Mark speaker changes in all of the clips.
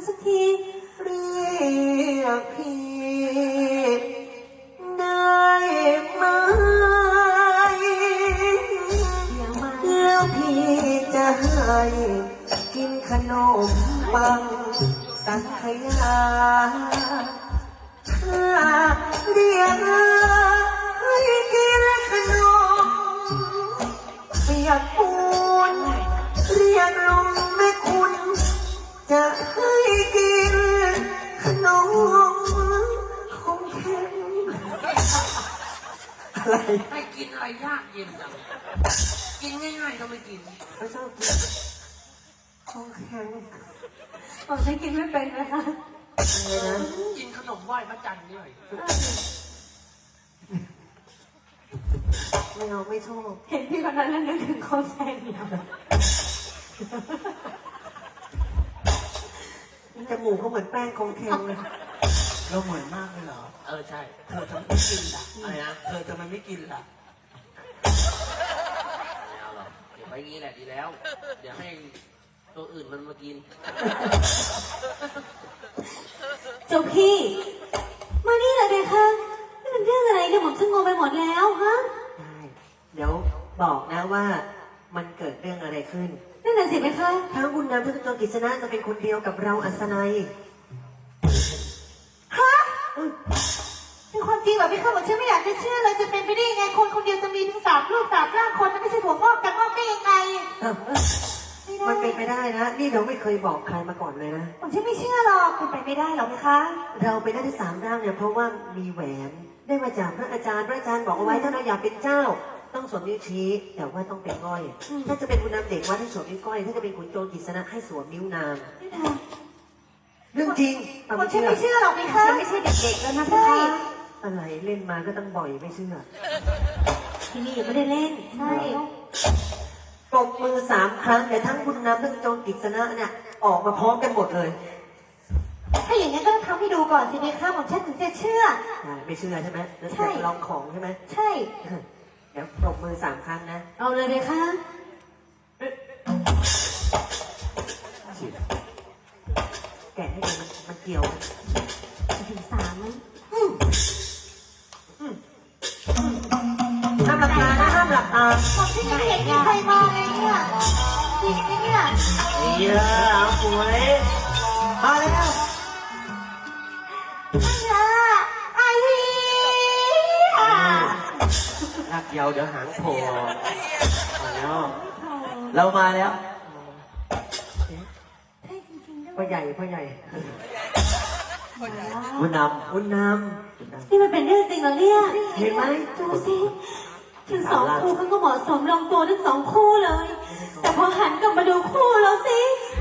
Speaker 1: สักที
Speaker 2: เรียกพี่ได้ไหมแล้วพี่จะให้กินขนมปังสังขยาถ้าเรียกให้กินขนมเปียกปูนเรียกลงแม่คุณจะให้กินขนมของแข็งอะไร
Speaker 3: ให้กินอะไรยากเย็นจังกินง่ายๆก็ไม่กิน
Speaker 2: ไม่ชอบกินของแข็ง
Speaker 1: ผมใช้กินไม่เป็นนะคะ
Speaker 2: อะไรนะ
Speaker 3: กินขนมไหว้พระจันทร์ด้วย
Speaker 2: ไม่เอาไม่ชอบ
Speaker 1: เห็นพี่คนนั้นแล้วนึกถึงคนแทนเนี่ย
Speaker 2: จมูกเขาเหมือนแป้งของแข็งเลย
Speaker 3: เราเหมือนมากเลยเหรอเออใช่เธอทำไมไม่กินล่ะอะไรนะเธอทำไมไม่กินล่ะไม่เอาหรอกเดี๋ยวไปงี้แหละดีแล้ว เดี๋ยวให้ตัวอื่นมันมากิน
Speaker 1: เจ้าพี่มานี่เลยเลยค่ะนี่เป็นเรื่องอะไรเนี่ยผมฉันงงไปหมดแล้วฮะ
Speaker 2: ได้เดี๋ยวบอกนะว่ามันเกิดเรื่องอะไรขึ้น
Speaker 1: นั่นน่ะสิไหมคะ
Speaker 2: ทั้งคุณนำทั้งตัวกิษณะจะเป็นคนเดียวกับเราอัศนัย
Speaker 1: ฮะเป็นความจริงเหรอพี่คะผมฉันไม่อยากจะเชื่อเลยจะเป็นไปได้ยังไงคนคนเดียวจะมีถึง3 ลูก3 ร่างคนมันไม่ใช่ถั่วงอกกันงอกได้ยังไง
Speaker 2: มันเป็นไปได้นะ นี่เราไม่เคยบอกใครมาก่อนเลยนะ
Speaker 1: ผมฉันไม่เชื่อหรอกเป็นไปไม่ได้หรอกนะคะ
Speaker 2: เราเป็นได้ที่3 ร่างเนี่ยเพราะว่ามีแหวนได้มาจากพระอาจารย์บอกเอาไว้ถ้าเราอยากเป็นเจ้า ต้องสวมนิ้วชี้แต่ว่าต้องเป็นก้อย ถ้าจะเป็นคุณนำเด็กวัดให้สวมนิ้วก้อยถ้าจะเป็นขุนโจรกิษณะให้สวมนิ้วนาง
Speaker 1: ไม่ได้
Speaker 2: เรื่องจริง
Speaker 1: ผมฉันไม่เชื่อหรอกพี่คะฉันไม่ใช่เด็กๆแล้วนะพี่คะ
Speaker 2: อะไรเล่นมาก็ต้องบ่อยไม่เชื่อ
Speaker 1: ที่นี่ไม่ได้เล่นใช่
Speaker 2: ปรบมือ3 ครั้งแต่ทั้งคุณนำทั้งโจรกิษณะเนี่ยออกมาพร้อมกันหมดเลย
Speaker 1: ถ้าอย่างนั้นก็ต้องทำให้ดูก่อนสิพี่คะผมฉันถึงจะเชื่อ
Speaker 2: ไม่เชื่อใช่ไหมแล้ว
Speaker 1: ใช่
Speaker 2: จะลองของใช่ไหม
Speaker 1: ใช่
Speaker 2: เดี๋ยวปรบมือ3 ครั้งนะ
Speaker 1: เอาเลยเลยค่ะ
Speaker 2: แกะให้ดูมันเกี่ยว
Speaker 1: ถึง3มั้ง
Speaker 2: ห้ามหลับตานะห้ามหลับตา
Speaker 1: ผมที่ไม่เห็นมีใครมาเลยเนี่ยจริงไหมเนี่ย
Speaker 2: เยอะสวยมาแล้ว
Speaker 1: ไอ้ฮี
Speaker 3: รักเดียวเดี๋ยวหางโผล่มาแล้วเรามาแล้ว
Speaker 1: ใช่จริงๆด้วย
Speaker 2: พ่อใหญ่พ่อใหญ่
Speaker 3: คุณน
Speaker 2: คุณน
Speaker 1: นี่มันเป็นเรื่องจริงเหรอเนี่ย
Speaker 2: เห็นไหม
Speaker 1: ดูสิทั้ง2 คู่เขาก็เหมาะสมลงตัวทั้ง2 คู่เลย แต่พอหันกลับมาดูคู่แล้วสิ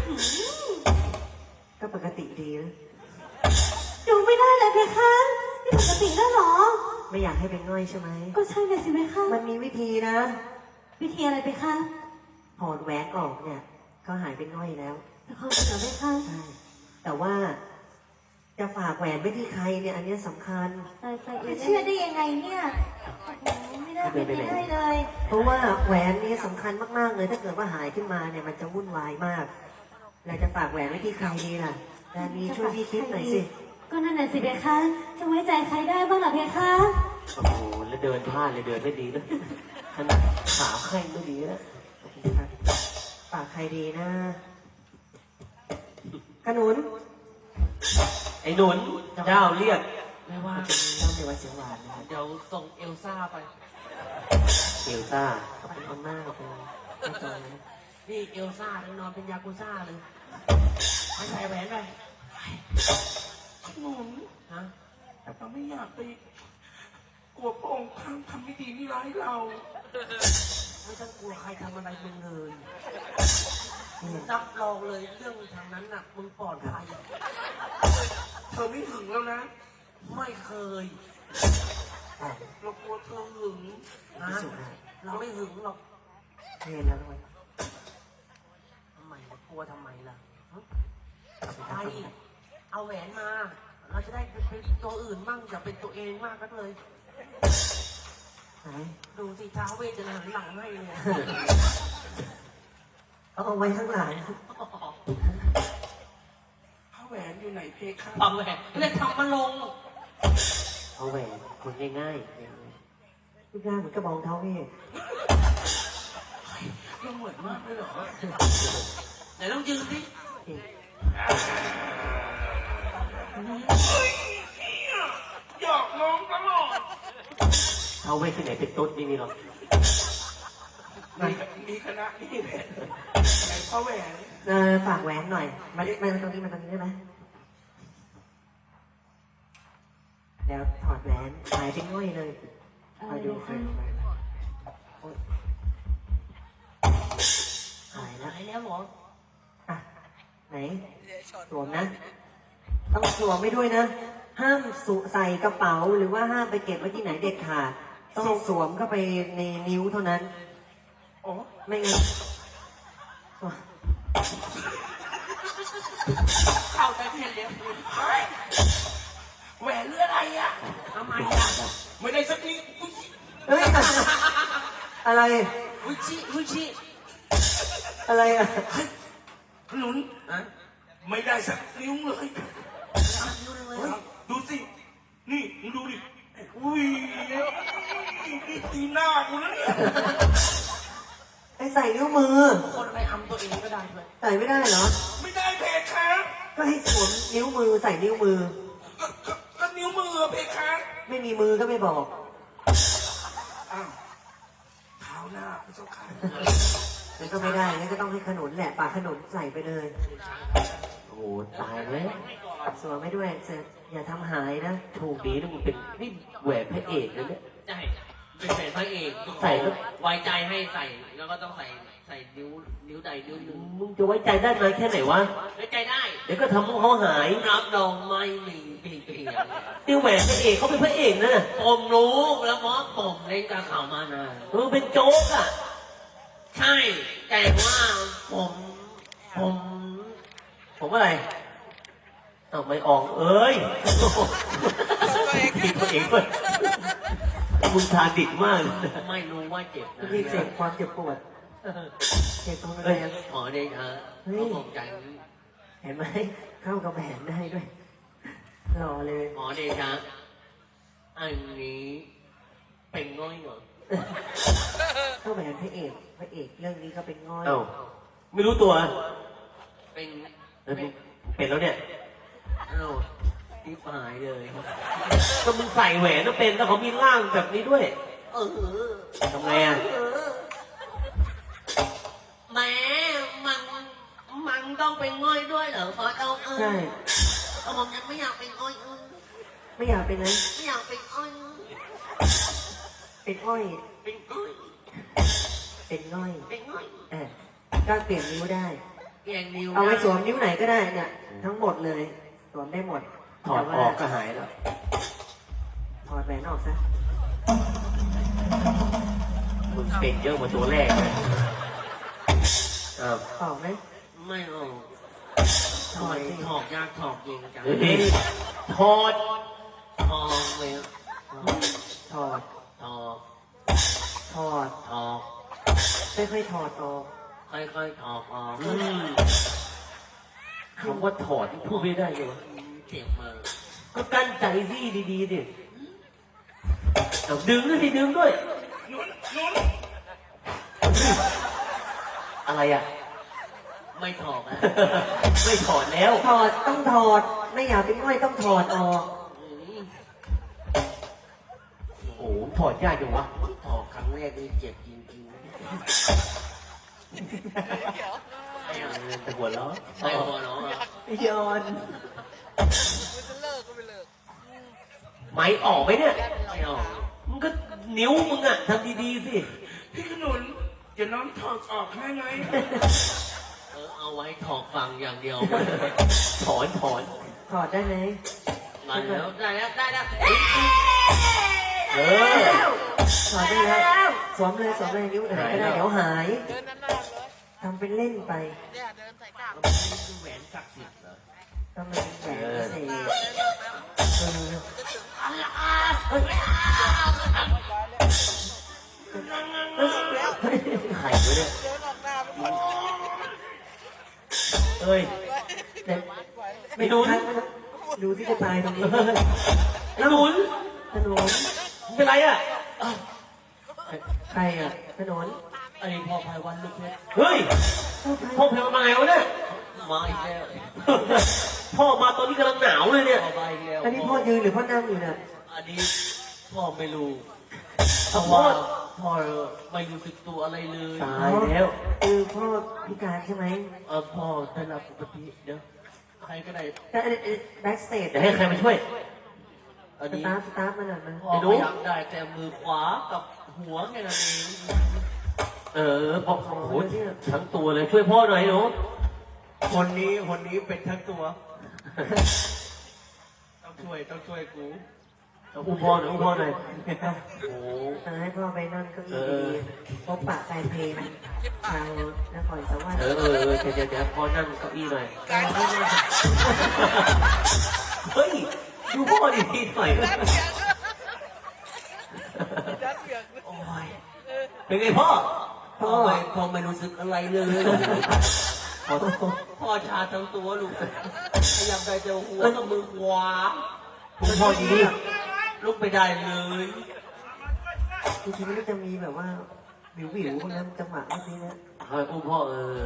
Speaker 2: ำก็ปกติดีนะ
Speaker 1: ดูไม่ได้เลยเพคะนี่ปกติแล้วเหรอ
Speaker 2: ไม่อยากให้เป็นง่อยใช่ไหม
Speaker 1: ก็ใช่เลยสิเพคะ
Speaker 2: มันมีวิธีนะ
Speaker 1: วิธีอะไรเพคะ
Speaker 2: ถอดแหวนออกเนี่ยเขาหายเป็นง่อยแล้ว
Speaker 1: แต่เขาเสนอเพคะ
Speaker 2: ใช่แต่ว่าจะฝากแหวนไว้ที่ใครเนี่ยอันเนี้ยสำคัญ
Speaker 1: จะเชื่อได้ยังไงเนี่ยไม่ได้เป็นไปได้เลย
Speaker 2: เพราะว่าแหวนนี้สำคัญมากๆเลยถ้าเกิดว่าหายขึ้นมาเนี่ยมันจะวุ่นวายมากเราจะฝากแหวนไว้ที่ใครดีล่ะดานีช่วยพี่คิดหน่อยสิ
Speaker 1: ก็นั่นน่ะสิเพคะจะไว้ใจใครได้บ้างล่ะเพคะ
Speaker 3: ำโอ้โหแล้วเดินพลาดเลยเดินไม่ดีนะขนาดขาแข้งไม่ดีแล้ว
Speaker 2: ฝากใครดีนะขนุน
Speaker 3: ไอ้หนุนเจ้าเรียกไม่ว่า
Speaker 2: เจ้าเทวาเสียงหวานนะครับ
Speaker 3: เดี๋ยวส่งเอลซ่าไป
Speaker 2: เอลซ่าขอบคุณมากๆเลยไม่ตรงนะ
Speaker 3: นี่เอลซ่าทั้งนอนเป็นยากุซ่าเลยไปใส่แหวนไป
Speaker 4: หนุน
Speaker 3: ฮะ
Speaker 4: เราไม่อยากไปกลัวพระองค์ท่านทำไม่ดีนี่ร้ายเรา
Speaker 3: ไม่ต้องกลัวใครทำอะไรมึงเลยรับรองเลยเรื่องทางนั้นน่ะมึงปลอดภัย
Speaker 4: เธอไม่หึงแล้วนะ
Speaker 3: ไม่เคย
Speaker 4: เรากลัวเธอหึง
Speaker 3: นะเราไม่หึงหรอก
Speaker 2: เรียนแล้วด้วย
Speaker 3: ทำไมวะกลัวทำไมล่ะฮะไปเอาแหวนมา เราจะได้เป็นตัวอื่นมั่งอย่าเป็นตัวเองมากนักเลย
Speaker 2: ไหน
Speaker 3: ดูสิท้าวเวทจะหันหลังให้เลย
Speaker 2: เอาไว้ข้างหลัง
Speaker 4: พระแหวนเพคะ
Speaker 3: เอาแหวนเรียกทำมาลง
Speaker 2: เอาแหวนคนง่ายๆรูปร่างเหมือนกระบองเท้าเวท
Speaker 3: เราเหมือนมากเลยเหรอไหนต้องยืนดิ
Speaker 4: หยอกน้องตลอด
Speaker 2: เท้าเวทที่ไหนเป็นตุ๊ดนี่นี่หรอ
Speaker 4: มีคณะนี่แหละไหนพ่อแหวน
Speaker 2: ฝากแหวนหน่อยมาตรงนี้ได้ไหมเดี๋ยวถอดแหวนหายไปง่อยเลยคอยดูหายแล้ว
Speaker 3: หายแล้วเหรอ
Speaker 2: อ่ะไหนสวมนะ ต้องสวมไม่ด้วยนะ ห้ามใส่กระเป๋าหรือว่าห้ามไปเก็บไว้ที่ไหนเด็ดขาดต้องสวมเข้าไปในนิ้วเท่านั้น
Speaker 4: อ๋อ
Speaker 2: ไม่งั้น
Speaker 3: เข้าใจเพี้ยนเดียว
Speaker 4: แหวนเรืออะไรอ่ะ
Speaker 3: ทำไมอ่ะ
Speaker 4: ไม่ได้สักนิดอุ๊ย
Speaker 2: เฮ้ยอะไร
Speaker 3: วิชิ
Speaker 2: อะไรอ่ะ
Speaker 4: ขนุน
Speaker 3: อะ
Speaker 4: ไม่ได้สักนิ้วเลย
Speaker 3: นิ้วเลย
Speaker 4: เฮ้ยดูสิ นี่มึงดูดิ อุ้ยนี่ตีหน้ากูแล้วเนี่ย
Speaker 2: ไอ้ใส่นิ้วมือ
Speaker 3: คนไปทำตัวเองก็ได้ด้วย
Speaker 2: ใส่ไม่ได้เหรอ
Speaker 4: ไม่ได้เพคะ
Speaker 2: ก็ให้สวมนิ้วมือใส่นิ้วมือ
Speaker 4: ก็นิ้วมืออะเพคะ
Speaker 2: ไม่มีมือก็ไม่บอก
Speaker 4: อ้าวเท้าหน้าพระเจ้าค่ะ
Speaker 2: มันก็ไม่ได้งั้นก็ต้องให้ขนุนแหละปากขนุนใส่ไปเลย โอ้โหตายเลยสวมไม่ด้วยเสร็จอย่าทำหายนะ
Speaker 5: ถูกดีนะมึงเป็นนี่แหวนพระเอกนะเนี่ย
Speaker 3: ใช่เป็นแฟนพระเอก
Speaker 5: ใส่แล้ว
Speaker 3: ไว้ใจให้ใส่ แล้วก็ต้องใส่นิ้วใดนิ้วหนึ่ง
Speaker 5: มึงจะไว้ใจได้ไหมแค่ไหนวะ
Speaker 3: ไว้ใจได้
Speaker 5: เดี๋ยวก็ทำให้เขาหาย
Speaker 3: รับรองไม่มีเปลี่ยน
Speaker 5: นี่แหวนพระเอกเขาเป็นพระเอกนะ
Speaker 3: ผมรู้แล้วเพราะผมเล่นกับเขามานาน
Speaker 5: มึงเป็นโจ๊กอ่ะ
Speaker 3: ใช่แต่ว่าผม
Speaker 5: ผมอะไรเอาไม่ออกเอ้ยผิดพระเอกเลยมึงทานดิกมากเลยนะ
Speaker 3: ไม่รู้ว่าเจ็บนะ
Speaker 2: นี่เจ็บความเจ็บปวดเจ็บตรงไหนอะ
Speaker 3: ขอเดชะเพราะผมใจนี้
Speaker 2: เห็นไหมเข้ากับแหวนได้ด้วยหล่อเลย
Speaker 3: ขอเดชะอันนี้เป็นง่อยเหรอ
Speaker 2: เข้าแหวนพระเอกเรื่องนี้ก็เป็นง่อย
Speaker 5: เอ้าไม่รู้ตัว
Speaker 3: เป็น
Speaker 5: แล้วมึงเป็นแล้วเนี่ย
Speaker 3: เอ้าที่หายเลย
Speaker 5: ก็มึงใส่แหวนแล้วเป็นแล้วเขามีร่างแบบนี้ด้วย
Speaker 3: เออ
Speaker 5: ทำไงอ่ะ
Speaker 3: แหม้มันต้องเป็นง่อยด้วยเหรอขอต้อง
Speaker 2: ใช่
Speaker 3: ผมยังไม่อยากเป็นง่อย
Speaker 2: ไม่อยากเป็นไร
Speaker 3: ไม่อยากเป็นอ้อย
Speaker 2: เป็นอ้อย
Speaker 3: เป็นอ้อย
Speaker 2: เป็นง่อย
Speaker 3: เป็นง่อย
Speaker 2: ก็เปลี่ยนนิ้วได้
Speaker 3: เปลี่ยนนิ้ว
Speaker 2: เอาไว้สวมนิ้วไหนก็ได้เนี่ยทั้งหมดเลยสวมได้หมด
Speaker 5: ถอดออกก็หายแล้ว
Speaker 2: ถอดแหวนออกซะ
Speaker 5: มึงเป็นเยอะกว่าตัวแรกเลยอ้าว
Speaker 2: ออกไหม
Speaker 3: ไม่ออก
Speaker 2: ถอดสิ
Speaker 3: ถอกยากถอกเย็นจัง
Speaker 5: เฮ้ยถอด
Speaker 3: ถอกเลย
Speaker 2: ถอด
Speaker 3: ถอก
Speaker 2: ถอด
Speaker 3: ถอก
Speaker 2: ค่อยๆถอดออก
Speaker 3: ค่อยๆถอกออก
Speaker 5: คำว่าถอดพูดไม่ได้เลยวะ
Speaker 3: เจ็บมาก
Speaker 5: ก็กั้นใจสิดีๆดิเอาดึงด้วยดิดึงด้วย
Speaker 4: หนุน
Speaker 5: อะไรอ่ะ
Speaker 3: ไม่ถอกอ่ะ
Speaker 5: ไม่ถอดแล้ว
Speaker 2: ถอดต้องถอด ไม่อยากเป็นง่อยต้องถอดออก
Speaker 5: โอ้โหถอดยากจังวะ
Speaker 3: ถอกครั้งแรกนี่เจ็บจริงๆไม่เอา
Speaker 5: แต่หัวเราะ
Speaker 3: ไม่พอเนาะ
Speaker 2: ยอน
Speaker 5: ไหมออกไหมเนี่ย
Speaker 3: ไม่ออก
Speaker 5: มึงก็นิ้วมึงอ่ะทำดีๆสิ
Speaker 4: พี่ขนุนเดี๋ยวน้องถอดออกให้ไหม
Speaker 3: เอาไว้ถอกฟังอย่างเดียว
Speaker 5: ถอน
Speaker 2: ถอดได้ไหม
Speaker 3: ได้แล้วได้แล้วได้แล้ว
Speaker 5: เออ
Speaker 2: ถอดได้แล้วสวมเลยนิ้วไหนก็ได้
Speaker 5: หายแล้ว
Speaker 2: เดี๋ยวหายทำเป็นเล่นไป
Speaker 3: คือแหวนศักดิ์สิทธิ์เหรอ
Speaker 2: ทำเป็นแหวนพิเศษ
Speaker 5: ไข่ไว้เนี่ยเอ้ย
Speaker 2: ไม่ดูนะดูที่จะตายตรงนี้
Speaker 5: ไอ้หนุน
Speaker 2: ถนน
Speaker 5: เป็นไรอ่ะ
Speaker 2: ใครอ่ะถนน
Speaker 3: ไอ้พ่อภัยวันลูกเพชร
Speaker 5: เฮ้ยพ่อเพลมาไงวะเนี่ย
Speaker 3: มาอีกแล้ว
Speaker 5: พ่อมาตอนนี้กำลังหนาวเลยเนี่ย
Speaker 3: พ่อมาอีกแล้ว
Speaker 2: อันนี้พ่อยืนหรือพ่อนั่งอยู่น่ะ
Speaker 3: อันนี้พ่อไม่รู้เพราะว่าพ่อไม่รู้สึกตัวอะไรเลย
Speaker 5: ตายแล้ว
Speaker 2: พ่อพิการใช่ไหม
Speaker 3: พ่อได้รับอุบัติเหตุเดี๋ยวใครก็ได้
Speaker 2: แต่แบ็กสเตจ
Speaker 5: จะให้ใครมาช่วย
Speaker 3: อัน
Speaker 2: ส
Speaker 3: นี้
Speaker 2: ตาร์ทมาหน่อยมัน
Speaker 3: พ่อไม่อยากได้แต่มือขวากับหัวแค่นั้นเอง
Speaker 5: พ่อโอ้โหทั้งตัวเลยช่วยพ่อหน่อยหนู
Speaker 3: คนนี้เป็นทั้งตัว ต้องช่วยกู
Speaker 5: อุ้มพ่อหน่อยอุ้มพ่อหน่อยโอ้โห
Speaker 2: ให้พ่อไปนั่งเก็อีดีๆพบปะแฟนเพลงชาวนครสวรรค์
Speaker 5: เดี๋ยวพ่อนั่งเก้าอี้หน่อยเฮ้ยดูพ่อดีๆหน่อยโอ้ยเป็นไงพ่อ
Speaker 3: พ่อไม่รู้สึกอะไรเลย
Speaker 5: ขอโทษ
Speaker 3: พ่อชาทั้งตัวลูกพยายามได้แต่หัวกับมือขวา
Speaker 5: คุณพ่อดี
Speaker 3: ลุกไม่ได้เลย
Speaker 2: จริงๆมันจะมีแบบว่าวิวๆคนนั้นจังหวะเมื่อกี้นะ
Speaker 5: อุ้มพ่อ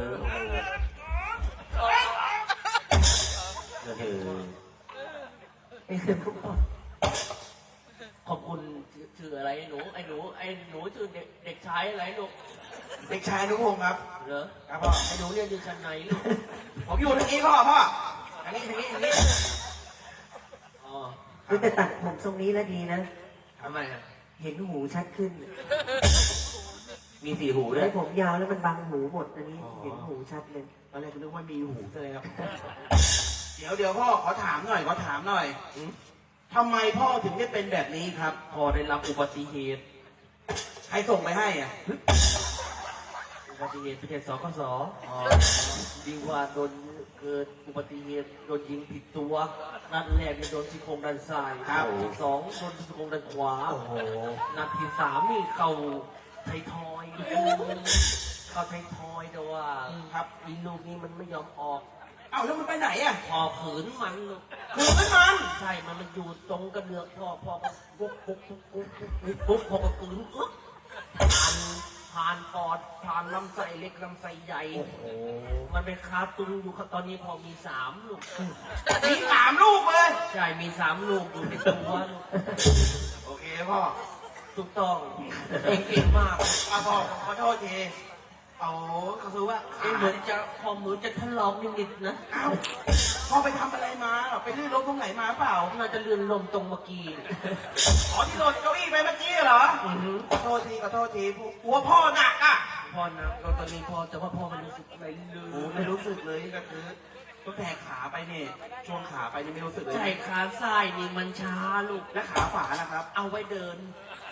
Speaker 2: พ่อ
Speaker 3: ขอบคุณชื่ออะไรหนูไอ้หนูชื่อเด็กชายอะไรลูก
Speaker 4: เด็กชายอนุพงศ์ครับ
Speaker 3: เหรอ
Speaker 4: ครับพ่อ
Speaker 3: ไอ้หนูเรียนอยู่ชั้นไหนลูก
Speaker 4: ผมอยู่ทางนี้พ่อทางนี้
Speaker 3: อ๋อ
Speaker 2: แต่ตัดผมทรงนี้แล้วดีนะ
Speaker 4: ทำไมอ่ะ
Speaker 2: เห็นหูชัดขึ้น
Speaker 5: มีสี่หูด้ว
Speaker 2: ไอ้
Speaker 5: ย
Speaker 2: ผมยาวแล้วมันบังหูหมดอันนี้เห็นหูชัดเลย
Speaker 4: ตอนแรกนึกว่ามีหูเลยครับ เดี๋ยวพ่อขอถามหน่อยทำไมพ่อถึงได้เป็นแบบนี้ครับ
Speaker 3: พอได้รับอุบัติเหตุ
Speaker 4: ใครส่งไปให้อ่ะ
Speaker 3: อุบัติเหตุเป็นเหตุสกสดีว่าโดนเกิดอุบัติเหตุโดนยิงผิดตัวนัดแรกเนี่ยโดนซี่โครงด้านซ้าย
Speaker 4: ครับ
Speaker 3: ที่สองโดนซี่โครงด้านขวา
Speaker 4: โอ้โห
Speaker 3: นัดที่สามนี่เข้าไทยทอยเข้าไทยทอยแต่ว่า
Speaker 4: ครับ
Speaker 3: อีลูกนี้มันไม่ยอมออก
Speaker 4: เอ้าแล้วมันไปไหนอ่ะ
Speaker 3: พอขืนมันลูก
Speaker 4: คือไม่มัน
Speaker 3: ใช่มันอยู่ตรงกระเดือกพอก็ปุ๊บพอก็ขืนอึ๊บผ่านปอดผ่านลำไส้เล็กลำไส้ใหญ่ มันเป็นคาตุนอยู่ตอนนี้พอมี3 ลูก
Speaker 4: มี3 ลูกเลย
Speaker 3: ใช่ มี3 ลูกอยู่ในตัวลูก
Speaker 4: โอเคพ่อ
Speaker 3: ถูกต้องเก่งมาก
Speaker 4: พ่อขอโทษทีเอาก็คือว่า
Speaker 3: เหมือนจะทะเลาะนิดๆนะ
Speaker 4: เอ้าพ่อไปทำอะไรมาเหรอไปลื่นล้มตรงไหนมาเปล่า
Speaker 3: น่าจะเลื่อนลมตรงเมื่อกี้
Speaker 4: อ๋อที่โดนเก้าอี้ไปเมื่อกี้เหรอขอโทษทีกลัวพ่อหนักอ่ะ
Speaker 3: พ่อนะเราตอนนี้พ่อแต่ว่าพ่อไม่รู้สึกอะไรเล
Speaker 4: โอ้
Speaker 3: ย
Speaker 4: ไม่รู้สึกเลยก็คือตั้งแต่ขาไปเนี่ยช่วงขาไปนี่ไม่รู้สึกเลย
Speaker 3: ใช่ขาซ้ายนี่มันช้าลูก
Speaker 4: และขาฝานะครับ
Speaker 3: เอาไว้เดิน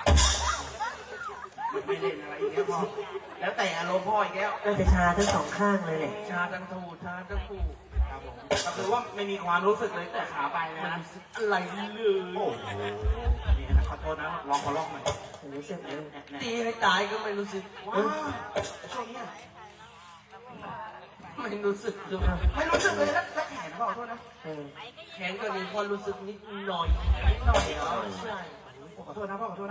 Speaker 4: ไม่เล่นอะไรอีกแล้วพ่อแล้วแต่อารมณ์พ่ออีกแล้ว
Speaker 2: น่าจะชาทั้งสองข้างเลยแหละ
Speaker 3: ชาทั้งทูชาทั้งคู่
Speaker 4: ครับผมก็คือว่าไม่มีความรู้สึกเลยแต่ขาไปนะ
Speaker 3: มันรู้สึกอะไรเลย
Speaker 4: โอ้โหนี่นะขอโทษนะลองขอลองหน่อย
Speaker 2: รู้สึกเลย
Speaker 3: ตีให้ตายก็ไม่รู้สึก
Speaker 4: ว้าวช่วงเนี้ย
Speaker 3: ไม่รู้สึกเลย
Speaker 4: ไม่รู้สึกเลยแล้วแขนนะพ่อขอโทษนะ
Speaker 3: แขนก็มีพอรู้สึกนิดหน่อย
Speaker 4: นิดหน่อยเหรอ
Speaker 3: ใช่
Speaker 4: ขอโทษนะพ่อขอโทษนะ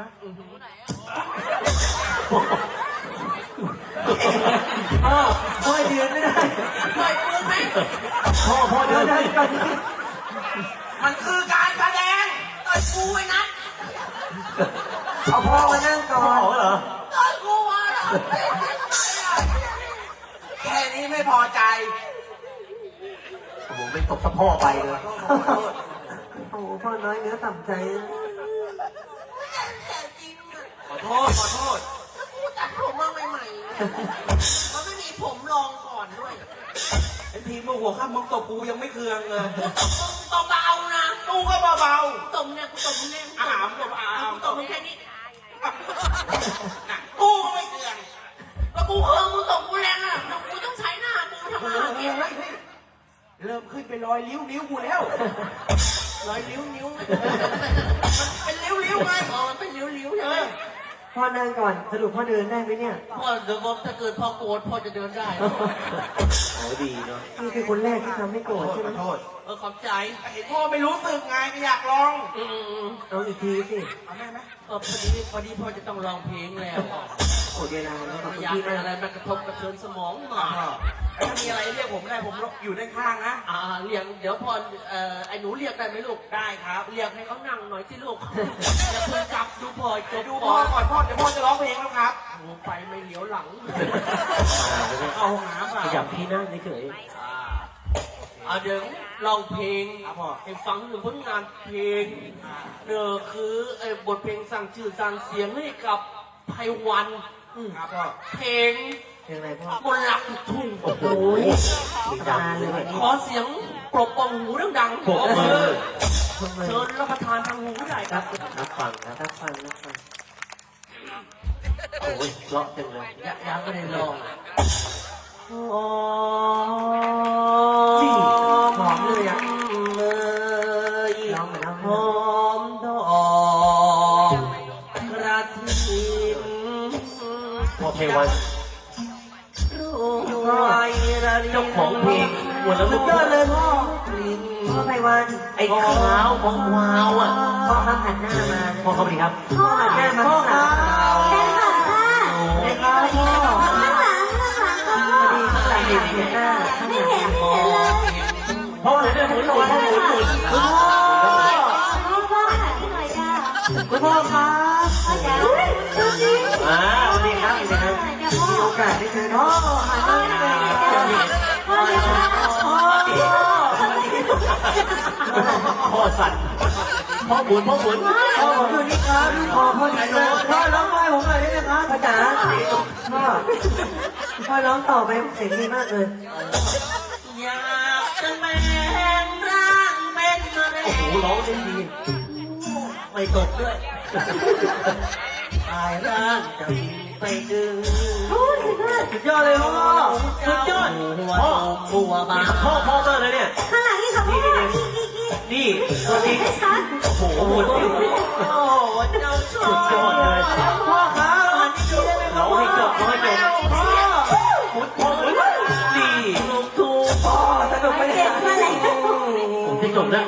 Speaker 2: พ่อเดือนไม่ได้
Speaker 3: ปล่อยกูไหม
Speaker 5: พ่อเดินได้
Speaker 2: ก่อนนี้
Speaker 4: มันคือการแสดง
Speaker 3: ปล่อยกูไว้นะ
Speaker 2: เอาพ่อมานั่งก่อ
Speaker 5: พ่อน เหรอ
Speaker 3: ปล่อยกูไว้นะ
Speaker 4: แค่นี้ไม่พอใจ
Speaker 5: โอ้โหไม่ตบสะพ่อไปเลย
Speaker 2: โอ้โหพ่อน้อยเนื้อต่ำใจ
Speaker 4: ขอโทษขอโทษ
Speaker 3: กูตัดผมมาใหม่ๆมันไม่มีผมรองก่อนด้วย
Speaker 4: ไอ้ทีมึงหัวข้ามมึงตบกูยังไม่เคืองเลย
Speaker 3: กูเบาๆนะ
Speaker 4: กูก็เบา
Speaker 3: ตบเนี่ยกูตบมึงเนี่ย
Speaker 4: ๆอาหามตบอาหาม
Speaker 3: กูตบมึงแค่นี้
Speaker 4: น่ะกูก็ไม่เคือง
Speaker 3: แล้วกูเพิ่มมึงตบกูแรงอ่ะแล้วกูต้องใช้หน้ากูทำ
Speaker 4: โอ้
Speaker 3: ไม
Speaker 4: โหเริ่มขึ้นไปรอยนิ้วกูแล้วรอยนิ้วมันเป็นนิ้วไง
Speaker 3: อ๋อมันเป็นริ้วๆใช่ไหม
Speaker 2: พ่อเดินก่อนสรุปพ่อเดินได้ไหมเนี่ย
Speaker 3: พ่อเดี๋ยวถ้าเกิดพ่อโกรธพ่อจะเดินได้
Speaker 5: โอ้ดีเนาะ
Speaker 2: นี่คือคนแรกที่ทำให้โกรธใช่ไหม
Speaker 4: ขอโทษ
Speaker 3: ขอบใจ
Speaker 4: เห็นพ่อไม่รู้สึกไงไม่อยากลอง
Speaker 3: อืม
Speaker 2: เอาอีกทีสิ
Speaker 4: เอาได้ไหม
Speaker 3: พอดีพ่อจะต้องร้องเพลงแล้ว
Speaker 2: โอดเวลาแล้วขอบ
Speaker 3: ไม่
Speaker 2: คุณ
Speaker 3: อยาก
Speaker 2: พี่
Speaker 3: ให้
Speaker 2: มาก
Speaker 3: อะไรมากระทบกระเทือนสมองหน่อย
Speaker 4: ถ้ามีอะไรเรียกผมได้ผมอยู่ด้านข้างนะ
Speaker 3: เรียกเดี๋ยวพ่อไอ้หนูเรียกได้ไหมลูก
Speaker 4: ได้ครับ
Speaker 3: เรียกให้เขานั่งหน่อยสิลูกอย่าเพิ่งกลับดูพ่อจบ
Speaker 4: ดูพ่อก่อนพ่อเดี๋ยวพ่อจะร้องเพลงแล้วครับ
Speaker 3: หนูไปไม่เหลียวหลัง
Speaker 5: มาเลยเนี่ย
Speaker 4: เข้าห้องน้ำเปล่า
Speaker 5: ขยับที่นั่งเฉย
Speaker 3: เดี๋ยวร้องเพลง
Speaker 4: ครับพ่อ
Speaker 3: ให้ฟังหนึ่งผลงานเพลงคือบทเพลงสั่งชื่อสั่งเสียงให้กับไพวัน
Speaker 4: ครับพ่อ
Speaker 3: เพลง
Speaker 2: เพลงอะไรพ่อ
Speaker 3: มนต์รักลูกทุ่ง
Speaker 5: ๆโอ้โหสีดำเลย
Speaker 3: ขอเสียงปรบปองหูดังๆ
Speaker 5: ปรบมือ
Speaker 2: ทำไม
Speaker 3: เชิญรับประทานทางหูได้ครับ
Speaker 5: รับฟังครับ
Speaker 2: รับฟังรับฟัง
Speaker 5: โอ้ยเพราะจังเลย
Speaker 3: ยังไม่ได้ลอง
Speaker 2: สี่หอมเลยอ่ะ
Speaker 3: เลย
Speaker 2: ร้องเหมือนเรา
Speaker 3: หอมดอกกระถิ่น
Speaker 5: พ่อเพวัน
Speaker 3: รวยระเรีย
Speaker 5: เจ้าของเพลงหัวแล้ว
Speaker 2: สุ
Speaker 5: ลู
Speaker 2: ด
Speaker 5: ก
Speaker 2: ยอดเลยพ่อ
Speaker 3: ลิ้น
Speaker 2: พ่อไพวัน
Speaker 5: ไอ้ขาวของวาวอ่ะ
Speaker 2: พ่อครับหันหน้ามา
Speaker 5: พ่อเข้าไปดิครับ
Speaker 2: พ่อหันหน้ามาพ่อครับ
Speaker 1: แฟนคลับค่ะ
Speaker 2: สวัสดีครับพ่อ
Speaker 1: ข้างหลังข้างหลังค่ะ
Speaker 2: พอดีข้างหลังเห็นหน้าข้างห
Speaker 1: ไม่
Speaker 2: ลัง
Speaker 1: เห็นไม่เห็นเลย
Speaker 5: พ่อเลยด้วยหมุนหมุนหมุนหมุน
Speaker 2: พ่อ
Speaker 1: พ่อหาที่หน่อยจ้า
Speaker 2: คุณพ่อครับ
Speaker 1: พ่อจ๋าดูสิ
Speaker 5: สวัสดีครับสวัสดีครับ
Speaker 1: จ้าพ่อ
Speaker 2: มีโอกาสได้เจอพ่อหันหน้ามา
Speaker 1: พ่อจ๋า
Speaker 5: พ่อสั่นพ่อหมุนพ่อหมุน
Speaker 2: พ่อผมอยู่นี่ครับพ่อพ่อดีนะพ่อร้องไห้ผมหน่อยได้ไหมครับพ่อจ๋าพ่อพ่อร้องต่อไปเสียงดีมากเลย
Speaker 3: อยากจะแปลงร่างเป็นมะเร็
Speaker 5: โอ้โห
Speaker 3: ง
Speaker 5: ร้องได้ดีไม่ตกด้วย
Speaker 3: ตายร่างจะบินไปดึง
Speaker 1: โอ้ยสุดยอด
Speaker 2: สุดยอดเลยพ่อ
Speaker 5: สุดยอด
Speaker 3: พ่อ
Speaker 5: พ่อ
Speaker 3: บัวบาน
Speaker 5: พ่อมากเลยเนี่ย
Speaker 1: ข้างหลังนี่ค่ะพ่อนี่
Speaker 5: นี่ตัวจริง
Speaker 1: ให้ชัด
Speaker 5: โอ้โหหมุนอยู่
Speaker 3: โอ้เจ้าชอ
Speaker 5: สุดยอดเลย
Speaker 2: พ่อครับหันดีได้ไหมค
Speaker 5: ร้
Speaker 2: รั
Speaker 5: อบ งให้จบร้องให้จบ
Speaker 2: พ่อ
Speaker 5: หมุนพ่อหมุนนี่
Speaker 3: ลูกทุ่ง
Speaker 2: พ่อสนุกไหมเนี่ย
Speaker 1: มาแล้ว
Speaker 5: ผมจะจบแล้ว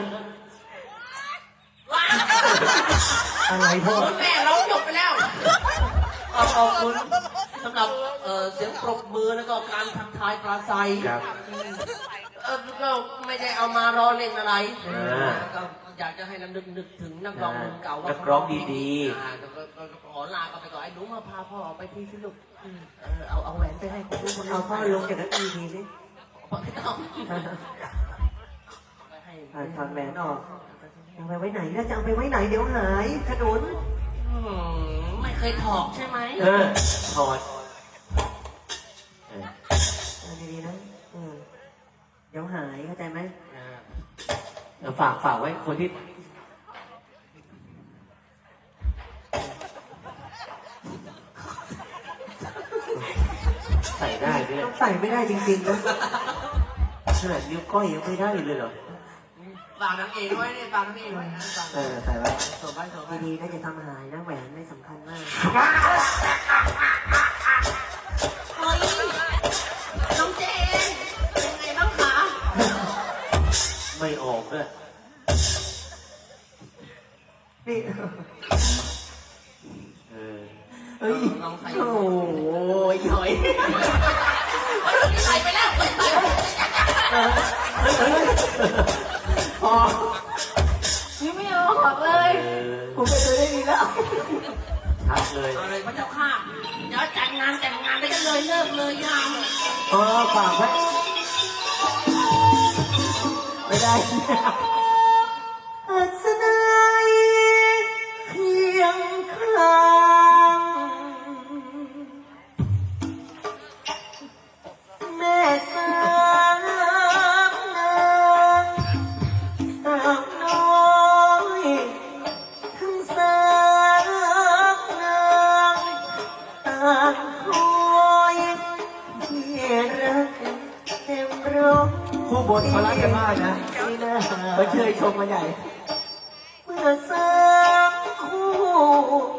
Speaker 5: อะไรพ่อ
Speaker 3: แม่เราจบไปแล้วขอบคุณสำหรับเสียงปรบมือแล้วก็การทักทายปราศัย
Speaker 5: ครับ
Speaker 3: ก็ไม่ได้เอามารอเล่นอะไร
Speaker 5: อ่า
Speaker 3: ก็อยากจะให้เรานึกถึงนักร้องคนเก่าว่า
Speaker 5: นักร้องดี
Speaker 3: ก็ขอลากันไปก่อนไอ้หนูมาพาพ่อไปที่ที่ลูกเอาแหวนไปให้คนดูคน
Speaker 2: เอาพ่อลงจากเก้าอี้ทีสิ
Speaker 3: ไม่ต้องไปให้
Speaker 2: ถอดแหวนออกเอาไปไว้ไหนแล้วจะเอาไปไว้ไหนเดี๋ยวหายขนุน
Speaker 3: ไม่เคยถอกใช่ไหม
Speaker 5: ถอด
Speaker 2: เอาดีๆนะเดี๋ยวหายเข้าใจไหม
Speaker 5: ฝากไว้คนที่ใส่ได้ด้วย
Speaker 2: ต้องใส่ไม่ได้จริงๆนะ
Speaker 5: ขนาดนิ้วก้อยยังไม่ได้เลยเหรอ
Speaker 3: ฝากนางเอกไว้เนี่ยฝากนางเอกไว้นะฝาก
Speaker 2: ใส่ไว้
Speaker 3: โถ่ไปโถ่ไป
Speaker 2: ดีๆก็จะทำหายนะแหวนไม่สำคัญมาก
Speaker 3: เฮ้ยน้องเจนเป็นไงบ้างคะ
Speaker 5: ไม่ออกด้วย
Speaker 2: นี่
Speaker 5: เออ
Speaker 2: เฮ้ย
Speaker 3: น้องใส่
Speaker 2: โอ้ยหอย
Speaker 3: ใส่ไปแล้วใส่ไป
Speaker 2: พอ
Speaker 1: ยังไม่เอาออกเลย
Speaker 2: ผมไปเลยได้ดีแล้ว
Speaker 5: ชัดเลย
Speaker 3: เอาเลยพระเจ้าค่ะเดี๋ยวแต่งงานได้กันเลยเลิกเลยยาม
Speaker 2: ฝากไว้ไม่ได้อัศนัยเพียงข้างแม่สาวนางสาวน้อยทั้งสาวนางต่างคอยเพียรักเต็มร้อยคู่บทเขารักกันมากนะเขาเชยชมมาใหญ่ เมื่อสามคู่